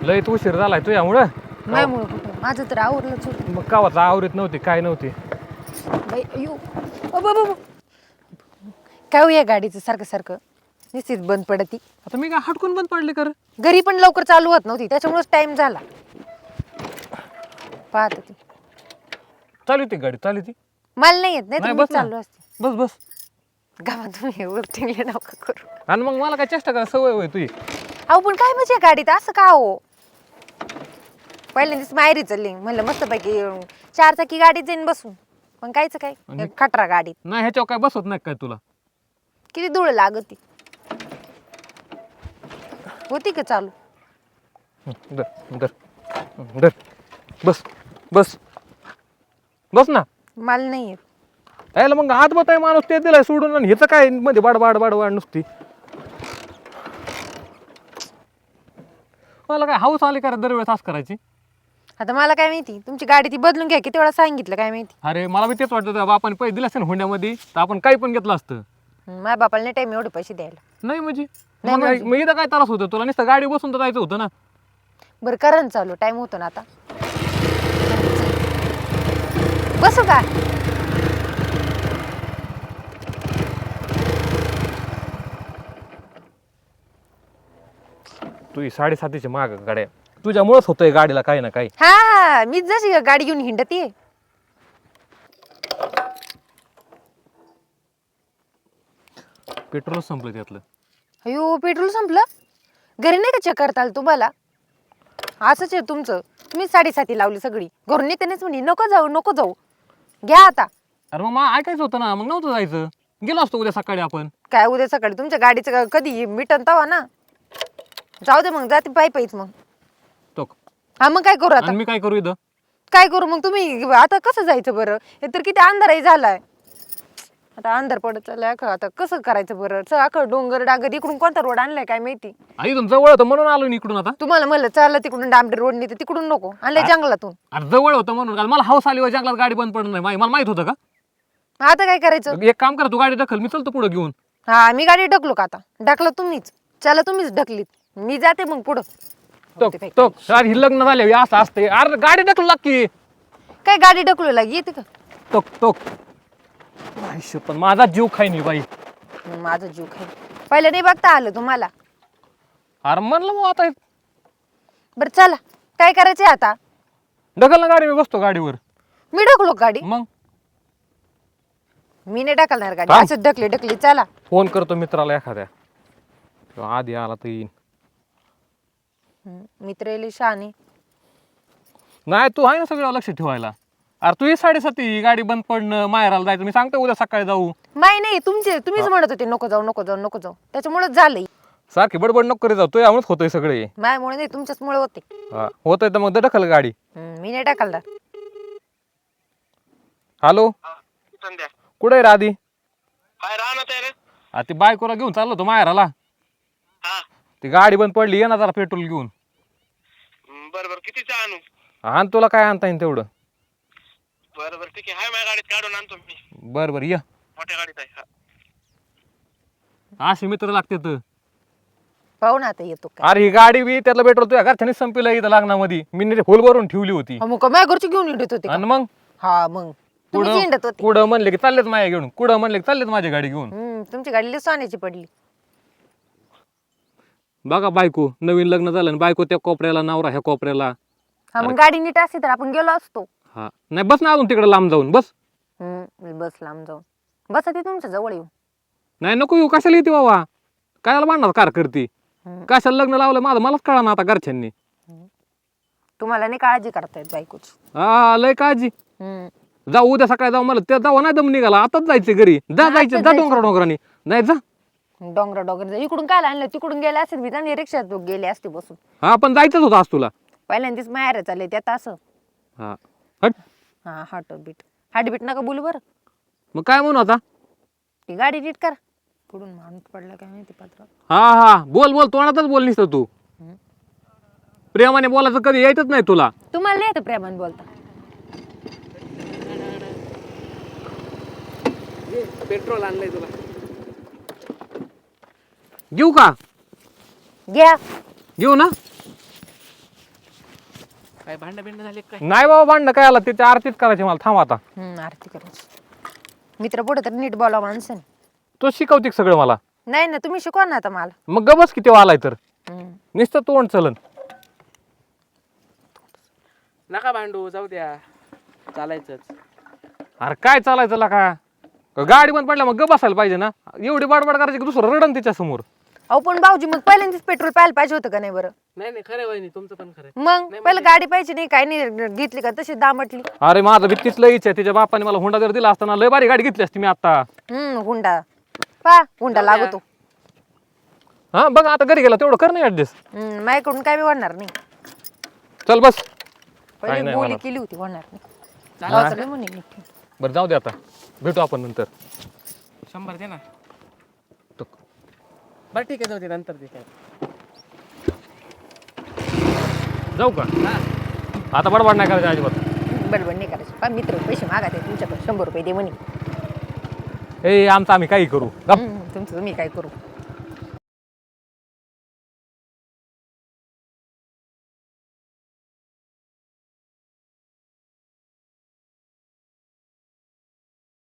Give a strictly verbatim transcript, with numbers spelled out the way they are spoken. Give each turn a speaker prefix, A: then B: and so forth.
A: लय तू उशीर झालाय तू यामुळं.
B: नाही मुळे कुठं माझं तर आवरलंच होतं.
A: मग कावाचा आवरीत नव्हती काय नव्हती.
B: बाई अयो अ बाबा बाबा. काय हो या गाडीचं सारखं सारखं निश्चित बंद पडती.
A: आता मी काय हटकून बंद पडले कर.
B: घरी पण लवकर चालू होत नव्हती त्याच्यामुळेच टाइम झाला. पाहत होती
A: चालू ती गाडी चालू ती.
B: मला नाही येत नाही तर
A: नाही
B: मी
A: बस ना.
B: चाललो असते.
A: बस बस.
B: गावात तुम्ही उरटिंगले नका करू.
A: आणि मग मला काय चेष्टा करा सवय होय तुझी.
B: अहो पण काय म्हणजे गाडीत असं का हो. पहिल्यांदाच माहेरी चालली म्हणलं मस्तपैकी चार चाकी गाडीत जाईन बसून पण कायच काय
A: आणि-
B: खटरा गाडीत
A: नाही ह्याच्यावर काय बसवत नाही काय तुला.
B: किती धूळ लागती होती का चालू.
A: हं, धर धर हं, धर बस बस बस ना.
B: मला नाही येत.
A: यायला मग हात बताय माणूस ते दिलाय सोडून आणि ह्याचं काय मध्ये बाड बाड बाड बाड नुसती. मला काय हाऊस आली करा दरवेळेस असं करायची.
B: आता मला काय माहिती तुमची गाडी ती बदलून घ्या किती वेळा सांगितलं काय माहिती.
A: अरे मला बी तेच वाटतं बापाने पैसे दिले असते ना हुंड्यामध्ये तर आपण काही पण घेतलं असतं.
B: हं, माझ्या बापाला नाही टाइम एवढे पैसे द्यायला.
A: नाही म्हणजे
B: नाही
A: मग
B: म्हणजे?
A: मग इथं काय त्रास होतं तुला नुसतं गाडी बसून तर जायचं होतं ना.
B: बरं करा ना चालू टाइम होतो ना आता. बसू का.
A: तुझी साडेसातीची माग गाड्या तुझ्यामुळेच होतंय गाडीला काही ना काही.
B: हा हा मी जशी गाडी घेऊन हिंडती.
A: पेट्रोल संपलं त्यातलं.
B: अयो पेट्रोल संपलं. घरी नाही का चेक करता आलं तुम्हाला. असंच आहे तुमचं तुम्ही साडेसाती लावली सगळी घरून येतानाच म्हणे नको जाऊ नको जाऊ घ्या आता.
A: अरे मग मला ऐकायचं होतं ना मग नव्हतं जायचं. गेलो असतो उद्या सकाळी आपण.
B: काय उद्या सकाळी तुमच्या गाडीचं कधी मिटन तवा ना. जाऊ दे मग जाते पायी पायीच मग.
A: तो
B: हा मग काय करू आता.
A: आणि मी काय करू इथं.
B: काय करू मग तुम्ही आता कसं जायचं बरं हे तर किती अंधारही झालाय. आता अंधार पडत चाललाय का आता कसं करायचं बरं च अखं डोंगर डांगर इकडून कोणता रोड आणलाय काय माहिती.
A: आई इथून जवळ होतं म्हणून आलो ना इकडून आता.
B: तुम्हाला म्हणलं चाललं तिकडून डांबरी रोडनी तर तिकडून नको आणलंय जंगलातून.
A: अरे जवळ होतं म्हणून कारण मला हाऊस आली जंगलात गाडी बंद पडणार नाही माही- मला माहित होतं का.
B: आता काय करायचं.
A: एक काम करा तू गाडी दखल मी चलतो पुढे घेऊन.
B: हा मी गाडी ढकलो का आता ढकला तुम्हीच चला तुम्हीच ढकलीत मी जाते मग पुढं.
A: तो तो अरे ही लग्न झाले असं असते अरे गाडी ढकलू लागकी.
B: काय गाडी ढकलू लागी येते का.
A: तो तो आयुष्य पण माझा जीव खाई नाही बाई.
B: माझा जीव खाईल पहिलं नाही बघता आलं तुम्हाला.
A: अरे म्हणलं मग आता
B: बरं चला काय करायचंय आता.
A: ढकल ना गाडी मी बसतो गाडीवर.
B: मी ढकलो गाडी.
A: मग
B: मी नाही ढकलणार गाडी
A: थांब.
B: असं ढकली ढकली चला.
A: फोन करतो मित्राला एखाद्या तो आधी आला तर येईन.
B: हम्म, मित्र येईल शहाणी.
A: नाही तू आहे ना सगळं लक्ष ठेवायला. अरे तू ही साडेसाती गाडी बंद पडणं माहेराला जायचं मी सांगतो उद्या सकाळी जाऊ.
B: नाही नाही तुमचे तुम्हीच म्हणत होते नको जाऊ नको जाऊ नको जाऊ त्याच्यामुळेच झालंय.
A: सारखी बडबड नको करीत जाऊ तू यामुळेच होतोय सगळे.
B: माझ्यामुळे नाही तुमच्याच मुळे होते.
A: हा होतंय तर मग ढकल गाडी.
B: हम्म, मी नाही ढकलणार.
A: हॅलो
C: संध्या
A: कुठे आहे राधी.
C: काय राहणार आहे रे.
A: आ ती बायकोला घेऊन चाललो होतो माहेराला.
C: हा
A: ती गाडी बंद पडली ये ना जरा पेट्रोल घेऊन.
C: बरं बरं कितीचं आणू.
A: आण तुला काय आणता येईल तेवढं.
C: बरं बरं ठीक आहे हाय माझ्या गाडीत काढून आणतो मी
A: बरं बरं ये.
C: मोठ्या गाडीत आहे.
A: असे मित्र लागते तर.
B: पाहू ना आता येतो काय.
A: अरे ही गाडी बी त्यातलं पेट्रोल तुझ्या घरच्यानीच संपलं इथं लग्नामध्ये मी नीट फुल भरून ठेवली होती.
B: हा, मग माझ्या घरची घेऊन हिंडत होते का?
A: आणि मग
B: हा मग तुम्ही
A: कुठं
B: हिंडत होते.
A: कुठं म्हणले की चाललेच माझ्या घेऊन कुठं म्हणले की चाललेच माझी गाडी घेऊन.
B: हम्म, तुमची गाडी लई सोन्याची पडली.
A: बघा बायको नवीन लग्न झालं आणि बायको त्या कोपऱ्याला नवरा ह्या कोपऱ्याला.
B: हा मग गाडी नीट असती तर आपण गेलो असतो.
A: हा नाही बस ना अजून तिकडे लांब जाऊन बस.
B: हम्म बस लांब जाऊन बस ती तुमच्या जवळ येऊ.
A: नाही नको येऊ कशाला येते बाबा कायला बांधणार कार करते.
B: हम्म.
A: कशाला लग्न लावलं माझं मलाच कळा ना आता घरच्यांनी.
B: तुम्हाला नाही काळजी करतायत बायकोची.
A: हा लय काळजी.
B: हम्म.
A: जाऊ उद्या सकाळी जाऊ मला ते जाऊ नाही दम निघाला आताच जायचं घरी जा
B: आताच
A: जायचं जा
B: जायचं.
A: डोंगरा डोंगरानी नाही जा.
B: डोंगर डोंगर इकडून काय आणलं तिकडून गेले असते मी चांगली रिक्षात गेले असते बसून.
A: हा पण जायचंच होतं आज तुला.
B: पहिल्यांदाच माहेर चालले त्यात असं.
A: हा हट
B: हा हाट बीट हाट बीट नका बोलू बरं.
A: मग काय म्हणू आता.
B: ती गाडी नीट करा. कुठून माणूस पडला काय माहिती पात्र.
A: हा हा बोल बोल तोंडातच बोल निसतं तू. प्रेमाने बोलायचं कधी यायचंच नाही तुला.
B: तुम्हाला नाही येतं प्रेमान बोलता.
A: पेट्रोल आणलंय तुला घेऊ का
B: घ्या
A: घेऊ ना
D: काय भांडण बिंड झाले काय?
A: नाही बाबा भांडणं काय आला त्याची आरतीच करायची मला थांब आता.
B: हम्म आरती करायची. मित्र पुढे तर नीट बोला माणसाने.
A: तो शिकवते सगळं मला.
B: नाही ना तुम्ही शिकवा ना आता मला.
A: मग गबस किती आलाय तर
B: हम्म.
A: नुसतं तोंड चलन.
D: नका भांडू, जाऊ द्या, चालायचंच.
A: अरे काय चालायचं ला का गाडी बंद पडल्या मग ग बसायला पाहिजे ना. एवढी बाडबाड करायची की दुसरं रडन तिच्या समोर.
B: अहो पण भाऊजी मग पहिल्यांदाच पेट्रोल पाहायला पाहिजे होतं का नाही बरं.
D: नाही नाही खरं वहिनी, तुमचं पण खरं.
B: मग पहिलं गाडी पाहिजे नाही काय नाही घेतली का तशी दामटली.
A: अरे माझं भीतीच लईच आहे. तिच्या बापाने मला हुंडा जर दिला असताना लय भारी गाडी घेतली असती मी आता.
B: हम्म हुंडा पा हुंडा लागतो.
A: हा बघ आता घरी गेला तेवढं कर नाही ऍडजस्ट.
B: हम्म माझ्याकडून काय बी होणार नाही.
A: चल बस. काय
B: पहिले
A: नाही
B: बोली
A: होणार.
B: केली होती होणार नाही.
D: चालेल.
B: भावाचं लय म्हणे नीट.
A: बरं जाऊ दे आता भेटू आपण नंतर.
D: शंभर दे ना.
A: तो-
D: बरं ठीक आहे, जाऊ दे, नंतर दे काय.
A: जाऊ का आता बडबड नाही करायचं अजिबात.
B: बडबड नाही करायची. पा मित्र पैसे मागा ते तुमच्याकडे शंभर रुपये दे म्हणे.
A: ए आमचं आम्ही काही करू.
B: हम्म, तुमचं तुम्ही काय करू.